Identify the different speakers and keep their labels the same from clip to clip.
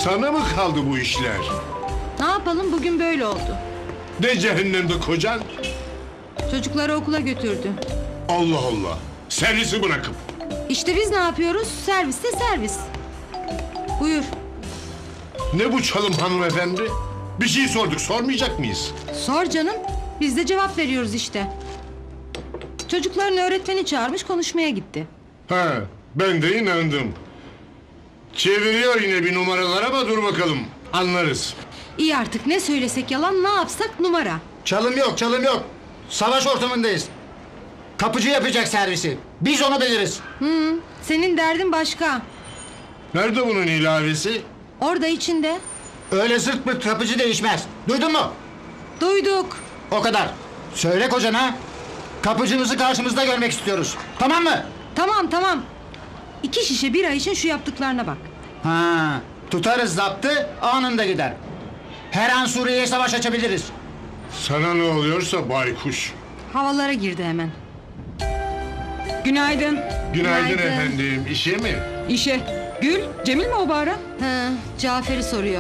Speaker 1: Sana mı kaldı bu işler?
Speaker 2: Ne yapalım, bugün böyle oldu.
Speaker 1: Ne cehennemde kocan?
Speaker 2: Çocukları okula götürdü.
Speaker 1: Allah Allah. Servisi bırakıp.
Speaker 2: İşte biz ne yapıyoruz? Serviste servis. Buyur.
Speaker 1: Ne bu çalım hanımefendi? Bir şey sorduk, sormayacak mıyız?
Speaker 2: Sor canım. Biz de cevap veriyoruz işte. Çocukların öğretmeni çağırmış, konuşmaya gitti.
Speaker 1: Ha, ben de inandım. Çeviriyor yine bir numaralar ama dur bakalım. Anlarız.
Speaker 2: İyi artık, ne söylesek yalan, ne yapsak numara.
Speaker 3: Çalım yok, çalım yok. Savaş ortamındayız. Kapıcı yapacak servisi. Biz onu biliriz.
Speaker 2: Senin derdin başka.
Speaker 1: Nerede bunun ilavesi?
Speaker 2: Orada içinde.
Speaker 3: Öyle zırt pırt kapıcı değişmez. Duydun mu?
Speaker 2: Duyduk.
Speaker 3: O kadar. Söyle kocana. Kapıcımızı karşımızda görmek istiyoruz. Tamam mı?
Speaker 2: Tamam tamam. 2 şişe bira için şu yaptıklarına bak.
Speaker 3: Ha, tutarız zaptı, anında gider. Her an Suriye'ye savaş açabiliriz.
Speaker 1: Sana ne oluyorsa baykuş.
Speaker 2: Havalara girdi hemen.
Speaker 4: Günaydın.
Speaker 1: Günaydın
Speaker 2: Günaydın.
Speaker 1: efendim. İşe mi?
Speaker 4: İşe. Gül, Cemil mi o bağıran?
Speaker 2: He, Cafer'i soruyor.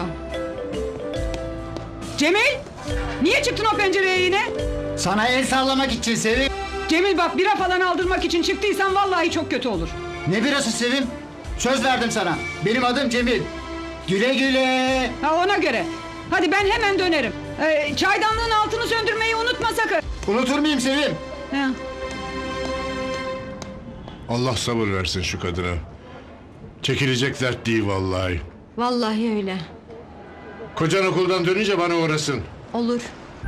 Speaker 4: Cemil! Niye çıktın o pencereye yine?
Speaker 3: Sana el sallamak için Sevim.
Speaker 4: Cemil bak, bira falan aldırmak için çıktıysan vallahi çok kötü olur.
Speaker 3: Ne birası Sevim? Söz verdim sana. Benim adım Cemil. Güle güle.
Speaker 4: Ha, ona göre. Hadi ben hemen dönerim. Çaydanlığın altını söndürmeyi unutma sakın.
Speaker 3: Unutur muyum Sevim?
Speaker 4: Ha.
Speaker 1: Allah sabır versin şu kadına. Çekilecek dert değil vallahi.
Speaker 2: Vallahi öyle.
Speaker 1: Kocan okuldan dönünce bana uğrasın.
Speaker 2: Olur.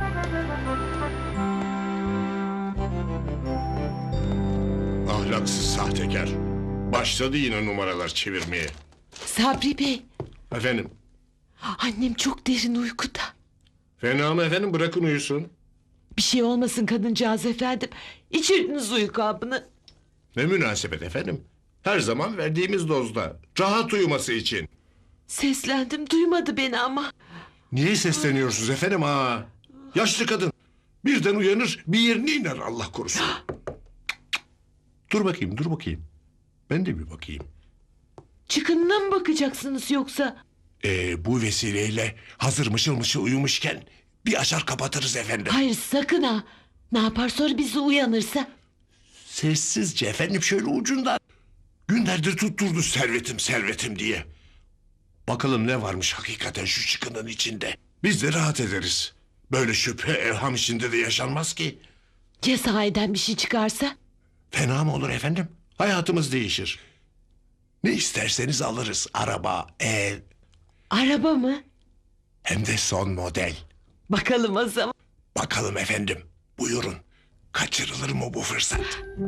Speaker 1: Ahlaksız sahtekar. Başladı yine numaralar çevirmeye.
Speaker 5: Sabri Bey,
Speaker 1: Efendim?
Speaker 5: annem çok derin uykuda.
Speaker 1: Fena mı efendim? Bırakın uyusun.
Speaker 5: Bir şey olmasın kadıncağız efendim. İçirdiniz uyku hapını.
Speaker 1: Ne münasebet efendim? Her zaman verdiğimiz dozda. Rahat uyuması için.
Speaker 5: Seslendim, duymadı beni ama.
Speaker 1: Niye sesleniyorsunuz efendim ha? Yaşlı kadın. Birden uyanır bir yerine iner Allah korusun. Dur bakayım, dur bakayım. Ben de bir bakayım.
Speaker 5: Çıkınına mı bakacaksınız yoksa?
Speaker 1: Bu vesileyle hazır mışıl mışıl uyumuşken bir açar kapatırız efendim.
Speaker 5: Hayır sakın ha. Ne yapar sonra bizi uyanırsa?
Speaker 1: Sessizce efendim şöyle ucundan. Günlerdir tutturdu servetim servetim diye. Bakalım ne varmış hakikaten şu çıkının içinde. Biz de rahat ederiz. Böyle şüphe evham içinde de yaşanmaz ki.
Speaker 5: Ya sahiden bir şey çıkarsa?
Speaker 1: Fena mı olur efendim? Hayatımız değişir. Ne isterseniz alırız. Araba, ev,
Speaker 5: Araba mı?
Speaker 1: hem de son model.
Speaker 5: Bakalım o zaman.
Speaker 1: Bakalım efendim. Buyurun. Kaçırılır mı bu fırsat?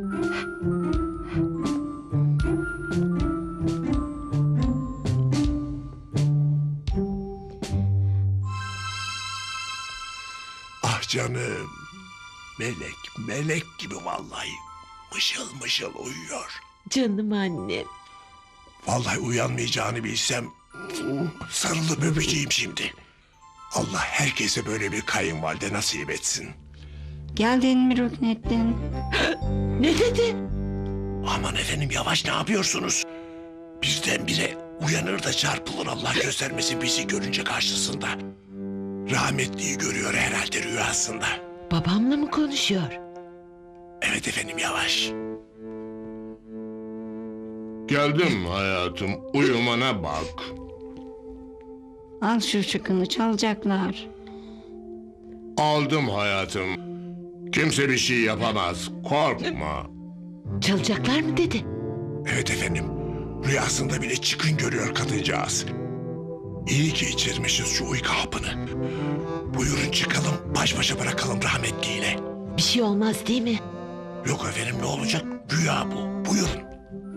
Speaker 1: Ah canım. Melek, melek gibi vallahi. Mışıl mışıl uyuyor.
Speaker 5: Canım annem.
Speaker 1: Vallahi uyanmayacağını bilsem sarılıp öpeceğim şimdi. Allah herkese böyle bir kayınvalide nasip etsin.
Speaker 2: Geldin mi Rüknettin?
Speaker 5: Ne dedi?
Speaker 1: Aman efendim yavaş ne yapıyorsunuz? Birdenbire uyanır da çarpılır Allah göstermesin bizi görünce karşısında. Rahmetliyi görüyor herhalde rüyasında.
Speaker 5: Babamla mı konuşuyor?
Speaker 1: Evet efendim yavaş. Geldim hayatım uyumana bak.
Speaker 6: Al şu çıkını, çalacaklar.
Speaker 1: Aldım hayatım. Kimse bir şey yapamaz korkma.
Speaker 5: Çalacaklar mı dedi?
Speaker 1: Evet efendim. Rüyasında bile çıkın görüyor kadıncağız. İyi ki içirmişiz şu uyku hapını. Buyurun çıkalım baş başa bırakalım rahmetliyle.
Speaker 5: Bir şey olmaz değil mi?
Speaker 1: Yok efendim ne olacak? Rüya bu. Buyurun.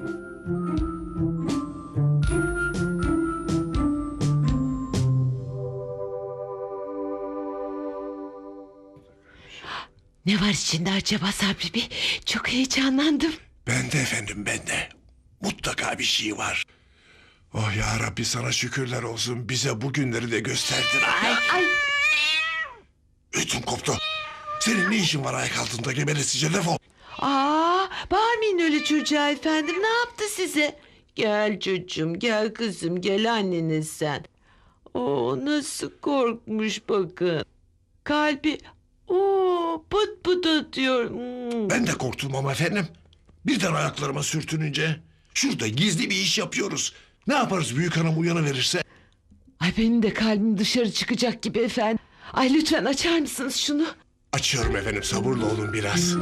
Speaker 5: Ne var içinde acaba Sabri Bey? Çok heyecanlandım.
Speaker 1: Ben de efendim ben de. Mutlaka bir şey var. Oh ya Rabbi sana şükürler olsun. Bize bu günleri de gösterdin.
Speaker 5: Ay.
Speaker 1: Ödüm koptu. Senin ne işin var ayak altında geberesice defol.
Speaker 5: Bağırmayın öyle çocuğa efendim. Ne yaptı size? Gel çocuğum, gel kızım, gel anneniz sen. O nasıl korkmuş bakın. Kalbi pıt pıt atıyor.
Speaker 1: Ben de korktum ama efendim. Birden ayaklarıma sürtününce. Şurada gizli bir iş yapıyoruz. Ne yaparız büyük hanım uyanıverirse?
Speaker 5: Ay benim de kalbim dışarı çıkacak gibi efendim. Ay lütfen açar mısınız şunu?
Speaker 1: Açıyorum efendim, sabırlı olun biraz.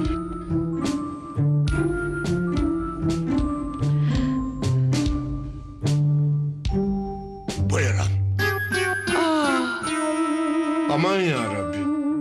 Speaker 1: Buyurun. Aman ya Rabbi.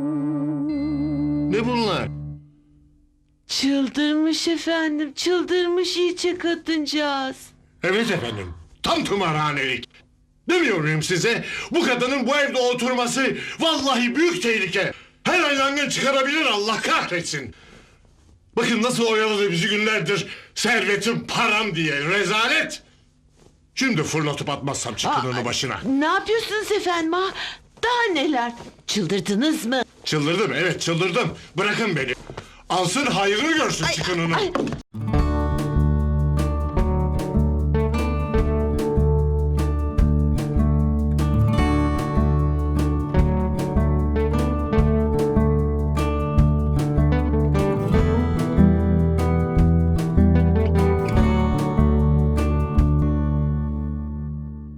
Speaker 1: Ne bunlar?
Speaker 5: Çıldırmış efendim, çıldırmış iyice kadıncağız.
Speaker 1: Evet efendim, tam tımarhanelik. Demiyor muyum size? Bu kadının bu evde oturması vallahi büyük tehlike. Her an yangın çıkarabilir, Allah kahretsin. Bakın nasıl oyaladı bizi günlerdir. Servetim, param diye rezalet. Şimdi fırlatıp atmazsam çıkınını başına.
Speaker 5: Ne yapıyorsunuz efendim ha? Daha neler? Çıldırdınız mı?
Speaker 1: Çıldırdım, evet çıldırdım. Bırakın beni. Alsın hayrını görsün çıkınını.